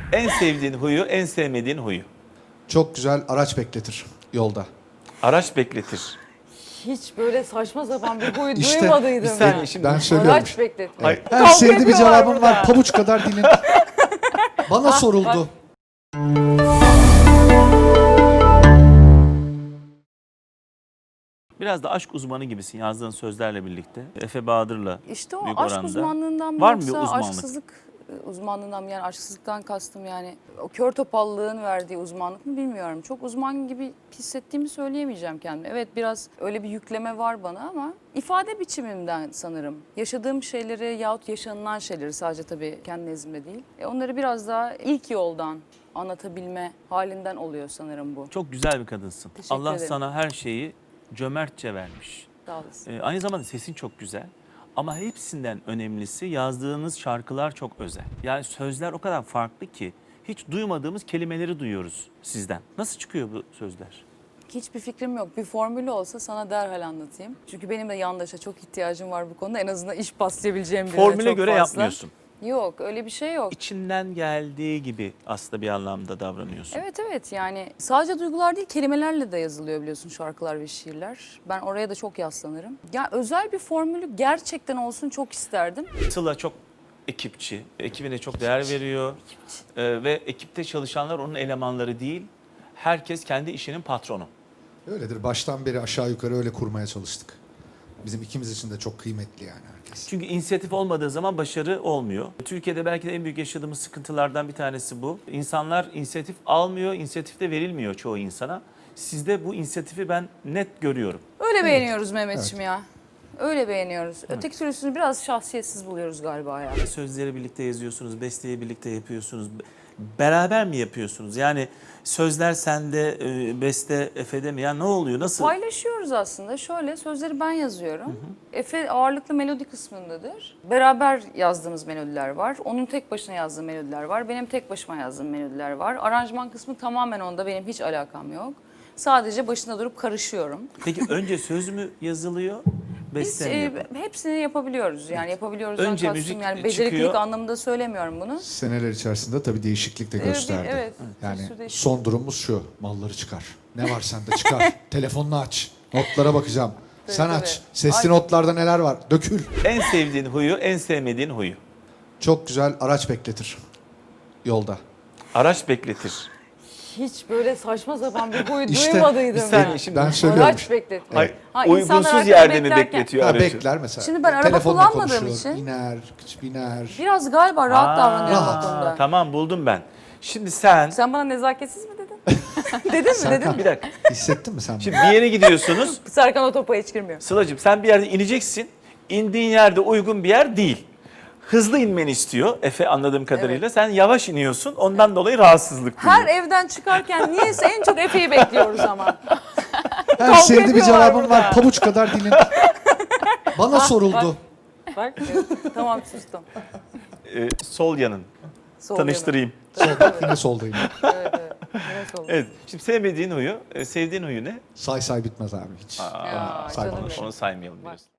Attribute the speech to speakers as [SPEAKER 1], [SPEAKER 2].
[SPEAKER 1] En sevdiğin huyu, en sevmediğin huyu.
[SPEAKER 2] Çok güzel araç bekletir yolda.
[SPEAKER 1] Araç bekletir.
[SPEAKER 3] Hiç böyle saçma sapan bir boyu
[SPEAKER 2] İşte,
[SPEAKER 3] duymadıydım
[SPEAKER 1] bir
[SPEAKER 3] ben.
[SPEAKER 1] saniye şimdi.
[SPEAKER 2] Ben söylüyorum.
[SPEAKER 3] Araç bekletmek.
[SPEAKER 1] Hayır.
[SPEAKER 2] Her
[SPEAKER 3] Kavga
[SPEAKER 2] sevdiği bir
[SPEAKER 3] ediyorlar
[SPEAKER 2] cevabım
[SPEAKER 3] burada.
[SPEAKER 2] var. Pabuç kadar dilin. Bana soruldu.
[SPEAKER 1] Biraz da aşk uzmanı gibisin yazdığın sözlerle birlikte. Efe Bahadır'la
[SPEAKER 3] İşte o
[SPEAKER 1] büyük
[SPEAKER 3] aşk
[SPEAKER 1] oranda.
[SPEAKER 3] uzmanlığından mı
[SPEAKER 1] Var mı bir
[SPEAKER 3] yoksa
[SPEAKER 1] uzmanlık?
[SPEAKER 3] aşksızlık uzmanlığından mı? Yani aşksızlıktan kastım yani o kör topallığın verdiği uzmanlık mı bilmiyorum. Çok uzman gibi hissettiğimi söyleyemeyeceğim kendime. Evet biraz öyle bir yükleme var bana ama ifade biçimimden sanırım. Yaşadığım şeyleri yahut yaşanılan şeyleri sadece tabii kendi nezdimde değil. Onları biraz daha ilk yoldan anlatabilme halinden oluyor sanırım bu.
[SPEAKER 1] Çok güzel bir kadınsın.
[SPEAKER 3] Teşekkür
[SPEAKER 1] Allah
[SPEAKER 3] ederim.
[SPEAKER 1] sana her şeyi cömertçe vermiş.
[SPEAKER 3] Sağ olasın.
[SPEAKER 1] Aynı zamanda sesin çok güzel. Ama hepsinden önemlisi yazdığınız şarkılar çok özel. Yani sözler o kadar farklı ki hiç duymadığımız kelimeleri duyuyoruz sizden. Nasıl çıkıyor bu sözler?
[SPEAKER 3] Hiçbir fikrim yok. Bir formülü olsa sana derhal anlatayım. Çünkü benim de yandaşa çok ihtiyacım var bu konuda. En azından iş paslayabileceğim birine
[SPEAKER 1] Formüle
[SPEAKER 3] çok
[SPEAKER 1] göre
[SPEAKER 3] fazla.
[SPEAKER 1] yapmıyorsun.
[SPEAKER 3] Yok öyle bir şey yok.
[SPEAKER 1] İçinden geldiği gibi aslında bir anlamda davranıyorsun.
[SPEAKER 3] Evet yani sadece duygular değil kelimelerle de yazılıyor biliyorsun şarkılar ve şiirler. Ben oraya da çok yaslanırım. Ya özel bir formülü gerçekten olsun çok isterdim.
[SPEAKER 1] Sıla çok ekipçi, ekibine çok değer veriyor. Ve ekipte çalışanlar onun elemanları değil. Herkes kendi işinin patronu.
[SPEAKER 2] Öyledir. Baştan beri aşağı yukarı öyle kurmaya çalıştık. Bizim ikimiz için de çok kıymetli yani herkes.
[SPEAKER 1] Çünkü inisiyatif olmadığı zaman başarı olmuyor. Türkiye'de belki de en büyük yaşadığımız sıkıntılardan bir tanesi bu. İnsanlar inisiyatif almıyor, inisiyatif de verilmiyor çoğu insana. Sizde bu inisiyatifi ben net görüyorum.
[SPEAKER 3] Öyle beğeniyoruz Mehmetciğim ya. Öyle beğeniyoruz. Öteki türlüsünü biraz şahsiyetsiz buluyoruz galiba ya.
[SPEAKER 1] Sözleri birlikte yazıyorsunuz, besteyi birlikte yapıyorsunuz. Beraber mi yapıyorsunuz? Yani sözler sende, beste Efe'de mi? Ya ne oluyor? Nasıl?
[SPEAKER 3] Paylaşıyoruz aslında. Şöyle sözleri ben yazıyorum. Efe ağırlıklı melodi kısmındadır. Beraber yazdığımız melodiler var. Onun tek başına yazdığı melodiler var. Benim tek başıma yazdığım melodiler var. Aranjman kısmı tamamen onda. Benim hiç alakam yok. Sadece başında durup karışıyorum.
[SPEAKER 1] Peki önce söz mü yazılıyor,
[SPEAKER 3] Biz
[SPEAKER 1] beste mi yapılıyor?
[SPEAKER 3] hepsini yapabiliyoruz. Yani yapabiliyoruz.
[SPEAKER 1] Önce
[SPEAKER 3] kastım
[SPEAKER 1] müzik
[SPEAKER 3] yani beceriklilik
[SPEAKER 1] çıkıyor.
[SPEAKER 3] anlamında söylemiyorum bunu.
[SPEAKER 2] Seneler içerisinde tabii değişiklik de gösterdi.
[SPEAKER 3] Evet.
[SPEAKER 2] Yani
[SPEAKER 3] Bir sürü değişiklik.
[SPEAKER 2] son durumumuz şu. Malları çıkar. Ne var sende çıkar. Telefonunu aç. Notlara bakacağım. Sen
[SPEAKER 3] Tabii,
[SPEAKER 2] aç.
[SPEAKER 3] tabii.
[SPEAKER 2] Sesli
[SPEAKER 3] Ay.
[SPEAKER 2] notlarda neler var? Dökül.
[SPEAKER 1] En sevdiğin huyu, en sevmediğin huyu.
[SPEAKER 2] Çok güzel araç bekletir yolda.
[SPEAKER 1] Araç bekletir.
[SPEAKER 3] Hiç böyle saçma sapan bir boyu
[SPEAKER 2] İşte,
[SPEAKER 3] duymadıydım
[SPEAKER 1] bir saniye
[SPEAKER 3] ya.
[SPEAKER 1] şimdi-
[SPEAKER 2] Ben söylüyorum.
[SPEAKER 3] Araç bekletmek.
[SPEAKER 1] Hayır,
[SPEAKER 3] Ha, insanlar
[SPEAKER 1] uygunsuz
[SPEAKER 3] arkada
[SPEAKER 1] yerde mi
[SPEAKER 3] beklerken-
[SPEAKER 1] bekletiyor
[SPEAKER 2] Ha,
[SPEAKER 1] aracı?
[SPEAKER 2] bekler mesela.
[SPEAKER 3] Şimdi ben araba
[SPEAKER 2] Telefonla
[SPEAKER 3] kullanmadığım
[SPEAKER 2] konuşuyor,
[SPEAKER 3] için-
[SPEAKER 2] biner.
[SPEAKER 3] Biraz galiba rahat davranıyorum
[SPEAKER 2] rahat.
[SPEAKER 3] bu konuda.
[SPEAKER 1] Tamam buldum ben. Şimdi sen
[SPEAKER 3] Sen bana nezaketsiz mi dedin? dedin mi
[SPEAKER 2] Serkan.
[SPEAKER 1] bir dakika.
[SPEAKER 2] Hissettin mi sen bunu?
[SPEAKER 1] Şimdi bir yere gidiyorsunuz.
[SPEAKER 3] Serkan o topa hiç girmiyor.
[SPEAKER 1] Sıla'cığım sen bir yerde ineceksin. İndiğin yerde uygun bir yer değil. Hızlı inmeni istiyor Efe anladığım kadarıyla. Sen yavaş iniyorsun. Ondan dolayı rahatsızlık duyuyor.
[SPEAKER 3] Her evden çıkarken niyeyse en çok Efe'yi bekliyoruz ama.
[SPEAKER 2] Her
[SPEAKER 3] Kavga
[SPEAKER 2] sevdiği bir
[SPEAKER 3] ediyorlar
[SPEAKER 2] cevabım
[SPEAKER 3] burada.
[SPEAKER 2] var. Pabuç kadar dilin. Bana soruldu.
[SPEAKER 3] Bak tamam sustum.
[SPEAKER 1] Sol yanın.
[SPEAKER 3] Sol
[SPEAKER 1] Tanıştırayım.
[SPEAKER 2] Solda, yine soldayım.
[SPEAKER 3] Evet. Yine sol.
[SPEAKER 1] Evet. Şimdi sevmediğin huyu, sevdiğin huyu ne?
[SPEAKER 2] Say bitmez abi hiç.
[SPEAKER 3] Ya,
[SPEAKER 2] Say
[SPEAKER 3] canım
[SPEAKER 2] bana.
[SPEAKER 3] benim.
[SPEAKER 1] Onu saymayalım diyorsun.